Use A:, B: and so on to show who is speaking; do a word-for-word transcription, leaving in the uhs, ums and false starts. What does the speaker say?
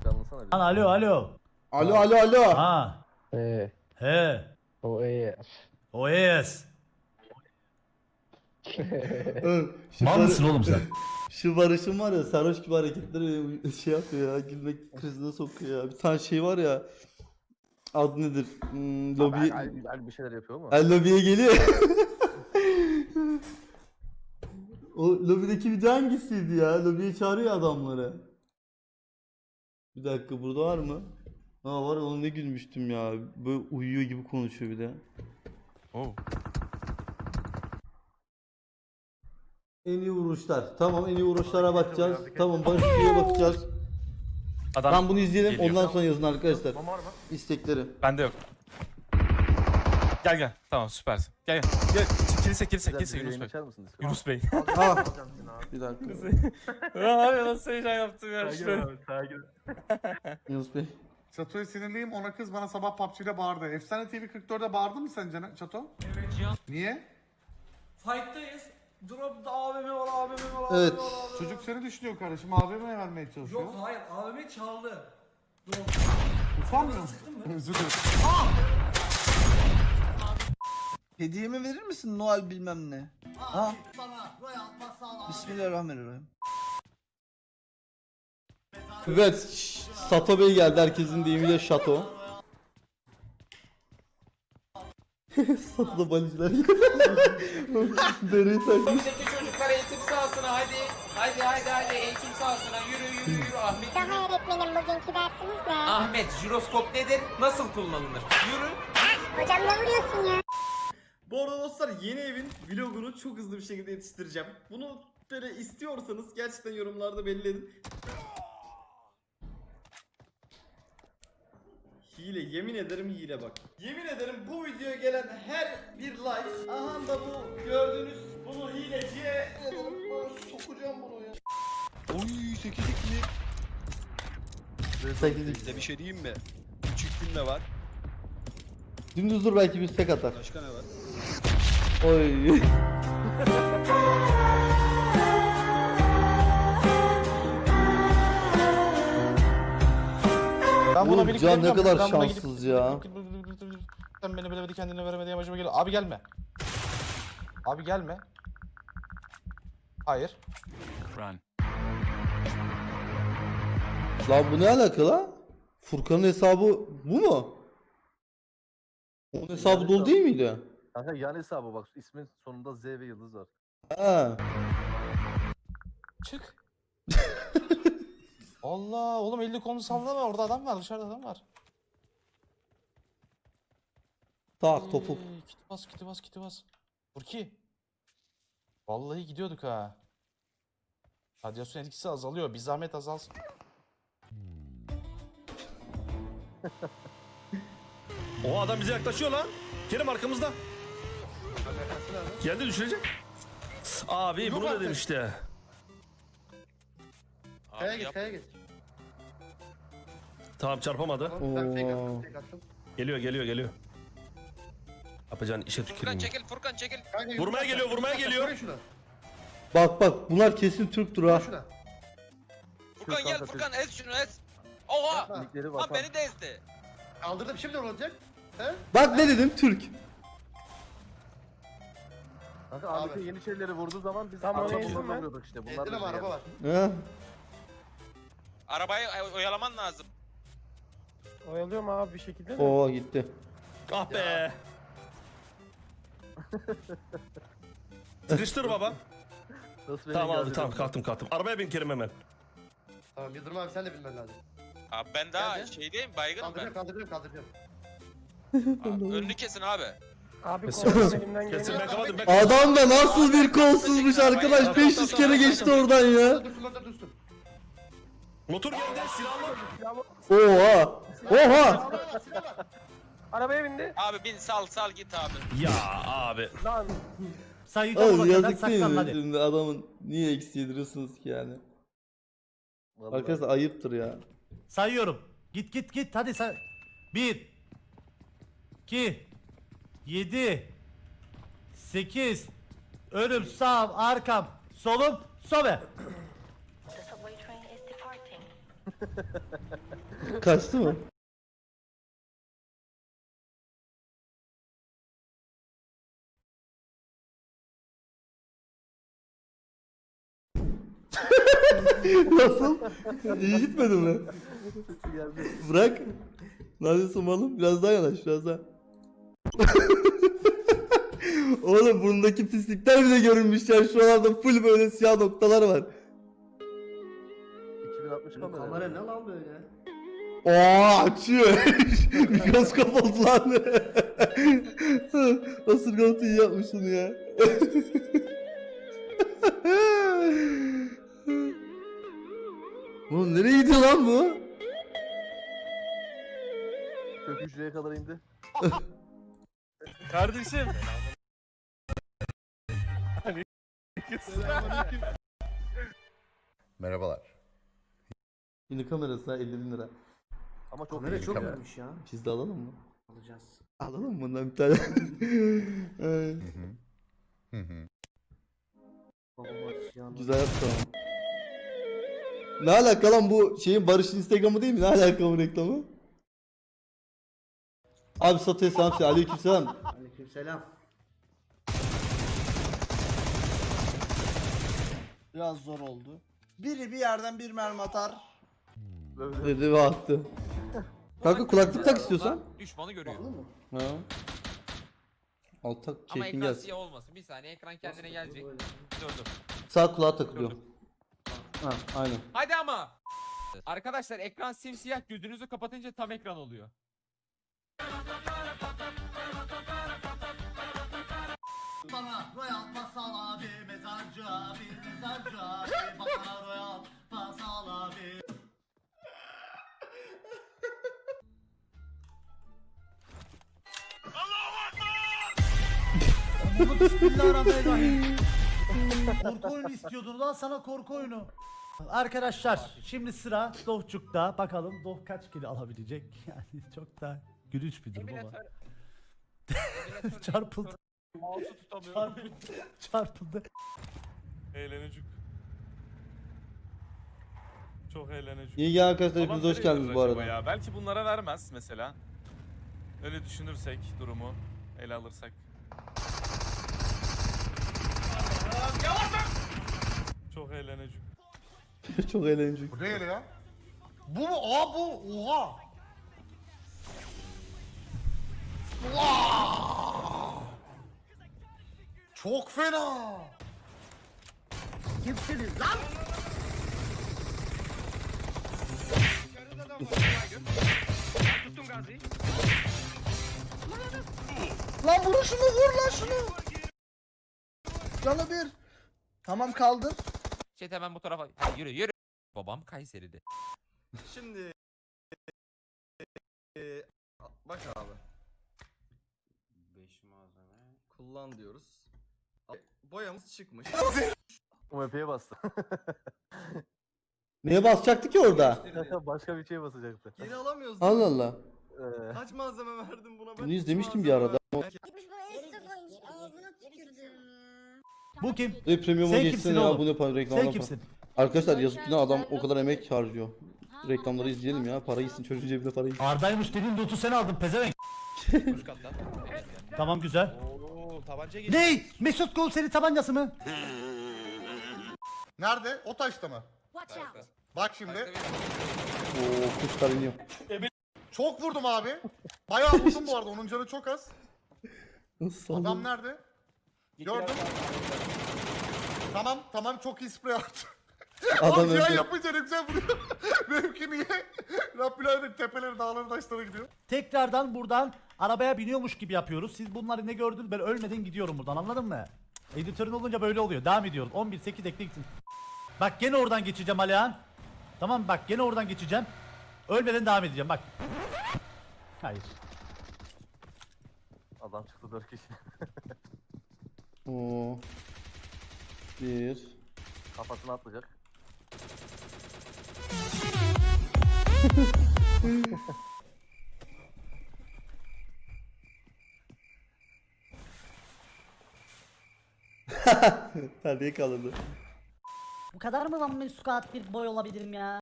A: canlansana bir.
B: Lan alo alo.
C: Alo alo alo.
B: Ha.
A: Eee.
B: He.
A: O eee.
B: O yes.
C: Oğlum, şu
B: Mal
C: barı-
B: mısın oğlum sen?
C: Şu Barış'ın var ya sarhoş gibi hareketleri beni şey yapıyor ya, gülmek krizine sokuyor ya. Bir tane şey var ya, adı nedir? Hmm, lobi...
A: Güzel bir şeyler yapıyor mu?
C: El lobiye geliyor. O lobideki video hangisiydi ya? Lobiye çağırıyor adamları. Bir dakika, burada var mı? Ha var, ona ne gülmüştüm ya. Böyle uyuyor gibi konuşuyor bir de.
D: Oh.
C: En iyi vuruşlar. Tamam, en iyi vuruşlara bakacağız. Tamam, Barış Bey'e bakacağız.
D: Adam
C: Tam bunu izleyelim,
D: geliyor.
C: ondan sonra yazın arkadaşlar.
A: Var mı?
C: İstekleri.
D: Bende yok. Gel gel. Tamam süpersin. Gel gel. Gel. Kilise kilise
A: Güzel
D: kilise
A: bir
D: Yunus
A: yayın
D: Bey.
A: açar mısınız?
D: Yunus Bey.
C: Ha. Bir dakika.
D: Abi nasıl heyecan yaptım ya. Şöyle.
C: Yunus Bey.
E: Çato'ya sinirliyim, ona kız bana sabah P U B G'de bağırdı. Efsane T V kırk dörtte bağırdı mı sence Çato?
F: Evet Cihan.
E: Niye?
F: Fight'tayız. Drop'ta A V M var, A V M var, A V M
C: Evet.
F: var, A V M var.
E: Çocuk seni düşünüyor kardeşim, A V M'ye vermeye çalışıyor.
F: Yok hayır, A V M çaldı. Drop.
E: Utanmıyor musun? Özür dilerim.
G: Hediyemi verir misin Noel bilmem ne? Ha? Bismillahirrahmanirrahim.
C: Evet, şş, Sato Bey geldi, herkesin deyimiyle Şato. Sato'da balıcılar Dereyi takmış.
H: Buradaki çocuklar eğitim sahasına hadi. Hadi hadi hadi eğitim sahasına yürü yürü yürü Ahmet.
I: Daha öğretmenim bugünkü dersimiz ne?
H: Ahmet jiroskop nedir? Nasıl kullanılır? Yürü.
I: Hocam ne vuruyorsun ya?
J: Bu arada dostlar, yeni evin vlogunu çok hızlı bir şekilde yetiştireceğim. Bunu böyle istiyorsanız gerçekten yorumlarda belli edin. Hile, yemin ederim hile bak. Yemin ederim bu videoya gelen her bir like, aha da bu gördüğünüz bunu hileciye sokacağım bunu ya.
K: Oy sekizlik mi?
C: Sekizlik.
K: Size bir şey diyeyim mi? Küçük gün de var.
C: Dümdüz dur, belki bir tek atar.
K: Başka ne var?
C: Oy.
D: Ben
C: Oğlum, Can ne kadar şanssız ya.
D: Sen beni bilemedi kendine veremedi başıma geliyor. Abi gelme. Abi gelme. Hayır.
K: Run.
C: Lan bu ne alaka lan? Furkan'ın hesabı bu mu? Onun hesabı dolu değil miydi?
A: Kanka yan hesabı bak, ismin sonunda Z ve yıldız var.
C: Ha.
D: Çık. Allah oğlum, elli kolunu sallama, orada adam var, dışarıda adam var.
C: Tak topuk.
D: Ee, Kiti bas kiti bas kiti bas. Burki. Vallahi gidiyorduk ha. Radyasyon etkisi azalıyor. Bir zahmet azalsın.
L: O adam bize yaklaşıyor lan. Kerim arkamızda. Geldi, düşürecek. Abi bunu dedim işte.
E: Kaya git, kaya git.
L: Tamam, çarpamadı.
E: Ben fake attım, fake attım.
L: Geliyor geliyor geliyor. Yapacağın işe
H: Furkan
L: tüküreyim.
H: çekil Furkan çekil.
E: Kanka,
L: Vurmaya
E: yürü,
L: geliyor,
E: yürü,
L: vurmaya
E: yürü,
L: geliyor.
E: yürü şuna.
C: Bak bak, bunlar kesin Türk'tür ha.
E: Şuna.
H: Furkan gel Furkan ez şunu ez. Oha.
E: Yapma.
A: Linkleri
H: Lan
A: vatan.
H: beni de ezdi.
E: Kaldırdım, şimdi ne olacak? He?
C: Bak ne dedim, Türk.
A: Kanka
E: Abi.
A: Ahmet'in yeniçerileri vurduğu zaman biz
J: Tamam,
A: arkamızdan
J: ezdim ben.
A: vuruyorduk işte. Bunlar
E: Ezdim
A: da
E: ama
A: şey
E: araba
A: yani.
E: var.
C: Ha.
H: Arabayı oy- oyalaman lazım.
J: Oyalıyorum abi bir şekilde de.
C: Oo gitti.
L: Ah be. Sıkıştır baba.
A: Nasıl beni
L: Tamam aldı,
A: geldi
L: tamam
A: bilmiyorum.
L: kalktım kalktım. Arabaya bin Kerim hemen.
E: Tamam, Yıldırım abi sen de bilmen lazım.
H: Abi ben daha
E: Geldi.
H: şeydeyim baygınım ben.
E: Kaldırıyorum, kaldırıyorum, kaldırıyorum.
H: Abi, önünü kesin abi.
J: Abi
L: Kesin.
J: korkudan elimden
L: Kesin, ben
J: geliyor.
L: kapadım. Ben
C: Adam da nasıl bir kolsuzmuş arkadaş, beş yüz kere geçti oradan ya.
E: Dursun, orada dursun.
L: Motor geldi, silahlı.
C: Oha. Oha.
J: Arabaya bindi.
H: Abi bin sal sal git abi.
L: Ya abi.
J: Lan.
B: Sayıda
C: Oğlum
B: bak kadar
C: yazık değil
B: saklan
C: mi?
B: hadi.
C: Şimdi adamın niye eksi yediriyorsunuz ki yani?
A: Vallahi.
C: Arkadaşlar ayıptır ya.
B: Sayıyorum. Git git git hadi say. Bir. iki. Yedi. Sekiz. Önüm, sağım, arkam, solum, sobe.
I: The subway train is departing.
C: Kaçtı mı? Nasıl? İyi gitmedi mi?
A: Sesi geldi.
C: Bırak. Ne yapıyorsun oğlum? Biraz daha yanaş, biraz daha. Oğlum burnundaki pislikler bile görünmüş ya. Şuralarda full böyle siyah noktalar var.
A: iki bin altmış kamera.
J: Kamera ne lan böyle?
C: Oo açıyor. Mikroskop oldu lan. Nasıl Galata iyi yapmışsın ya. Oğlum nereye gidiyor lan bu?
A: Kök hücreye kadar indi.
K: Kardeşim.
M: Merhabalar.
C: Yine kamerası ha elli bin lira.
A: Ama çok
J: Kamera
A: iyi
J: çok
A: kamera.
J: iyiymiş ya.
C: Biz de alalım mı?
J: Alacağız.
C: Alalım mı bundan bir tane? Ay,
M: Hı hı.
J: Babamız ya.
C: güzel yaptı ama. Ne alaka lan bu şeyin Barış'ın Instagram'ı değil mi? Ne alaka bu reklamı? Abi Sato'ya selam söyle. Aleykümselam.
J: Aleykümselam.
G: Biraz zor oldu. Biri bir yerden bir mermi atar.
A: Böyle
C: Dedi ve attı. Kanka kulaklık tak istiyorsan.
H: Düşmanı görüyor.
C: Ha. Alt tak
H: Ama
C: keyfin
H: ekran
C: gelsin.
H: siyah olmasın. Bir saniye ekran kendine gelecek. Dur dur.
C: Sağ kulağa takılıyor. Ha aynen.
H: Hadi ama. Arkadaşlar ekran simsiyah, gözünüzü kapatınca tam ekran oluyor.
G: Bana royal pasal abi, mezarcı abi, mezarcı abi, bana royal pasal abi.
B: Bismillahirrahmanirrahim. Korku oyunu istiyordun lan, sana korku oyunu. Arkadaşlar şimdi sıra Dohçuk'ta. Bakalım Doh kaç kilo alabilecek. Yani çok da gülünç bir durum ama. Çarpıldı.
K: Mouse'u tutamıyorum.
B: Çarpıldı. Çarpıldı.
K: Eğlenecek. Çok eğlenecek.
C: İyi gel arkadaşlar,
K: Alan
C: hepiniz hoş
K: nereye
C: geldiniz
K: verir
C: bu
K: acaba
C: arada.
K: Ya? Belki bunlara vermez mesela. Öyle düşünürsek durumu ele alırsak. Çok eğlenecek.
C: Çok eğlenceli.
E: Bu değil ya. Bu mu? Aa bu. Oha. Vaa! Çok fena.
G: Kimsiniz lan? Lan vur şunu, vur lan şunu. Canı bir. Tamam kaldır.
H: Şey hemen bu tarafa. Hadi yürü yürü. Babam Kayseri'de.
J: Şimdi eee, bak abi. beş malzeme kullan diyoruz. Boyamız çıkmış.
A: U M P'ye bastı.
C: Neye basacaktı ki orada?
A: Başka bir şeye basacaktı.
J: Geri alamıyoruz. değil
C: Allah
J: mi?
C: Allah.
A: Ee,
J: Kaç malzeme verdim buna ben?
C: Bunu
J: Hiç
C: izlemiştim bir
J: malzeme
C: arada.
J: vermedim.
I: Gitmiş bana Insta koymuş. Ağzına tükürdüm.
B: Bu kim?
C: E premium'a
B: Sen
C: geçsene
B: kimsin
C: ya,
B: oğlum?
C: bu ne para reklam
B: Sen
C: yapma.
B: kimsin?
C: Arkadaşlar yazık günah, adam o kadar emek harcıyor. Reklamları izleyelim ya, para gitsin, çocuğun cebine para gitsin.
B: Arda'ymış dediğin loot'u sen aldın pezevenk.
D: Üst katta.
B: Tamam güzel.
D: Oo, tabanca geçti.
B: Ney? Mesut Gol seri tabancası mı?
E: Nerede? O taşta mı?
I: Watch out.
E: Bak şimdi.
C: Oo kuşlar iniyor.
E: Çok vurdum abi. Bayağı vurdum bu arada. Onun canı çok az.
C: Nasıl
E: Adam
C: saldın?
E: nerede? Gördüm. Tamam tamam, çok iyi sprey attı.
C: Adam
E: Oğlum ya
C: öldü.
E: yapınca ne güzel vuruyor. Benimki niye? Rabbilerin tepeleri, dağları, taşlara gidiyor.
B: Tekrardan buradan arabaya biniyormuş gibi yapıyoruz. Siz bunları ne gördünüz? Ben ölmeden gidiyorum buradan, anladın mı? Editörün olunca böyle oluyor. Devam ediyoruz. on bir sekiz ekle gitsin. Bak gene oradan geçeceğim Alihan. Tamam bak gene oradan geçeceğim. Ölmeden devam edeceğim bak. Hayır.
A: adam çıktı dört kişi.
C: Oo. Bir.
A: Kafasına atlayacak.
C: Hadi kalırdı.
F: Bu kadar mı lan Mesut bir boy olabilirim ya?